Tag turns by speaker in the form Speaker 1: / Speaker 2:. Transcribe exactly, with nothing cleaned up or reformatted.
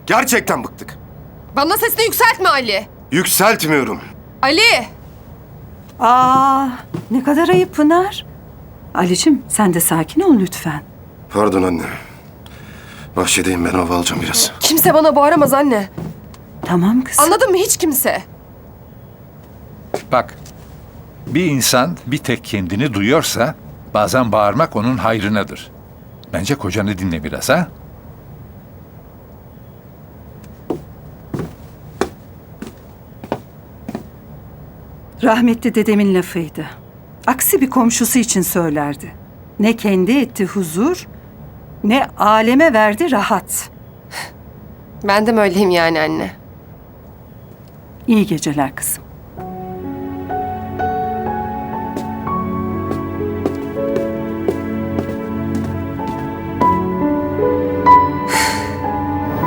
Speaker 1: Gerçekten bıktık.
Speaker 2: Bana sesini yükseltme Ali.
Speaker 1: Yükseltmiyorum.
Speaker 2: Ali!
Speaker 3: Aa, ne kadar ayıp Pınar. Ali'cim sen de sakin ol lütfen.
Speaker 1: Pardon anne. Bahçedeyim, ben hava alacağım biraz.
Speaker 2: Kimse bana bağıramaz anne.
Speaker 3: Tamam kızım.
Speaker 2: Anladın mı? Hiç kimse.
Speaker 4: Bak, bir insan bir tek kendini duyuyorsa bazen bağırmak onun hayrınadır. Bence kocanı dinle biraz ha.
Speaker 3: Rahmetli dedemin lafıydı. Aksi bir komşusu için söylerdi. Ne kendi etti huzur, ne aleme verdi rahat.
Speaker 2: Ben de mi öyleyim yani anne?
Speaker 3: İyi geceler kızım.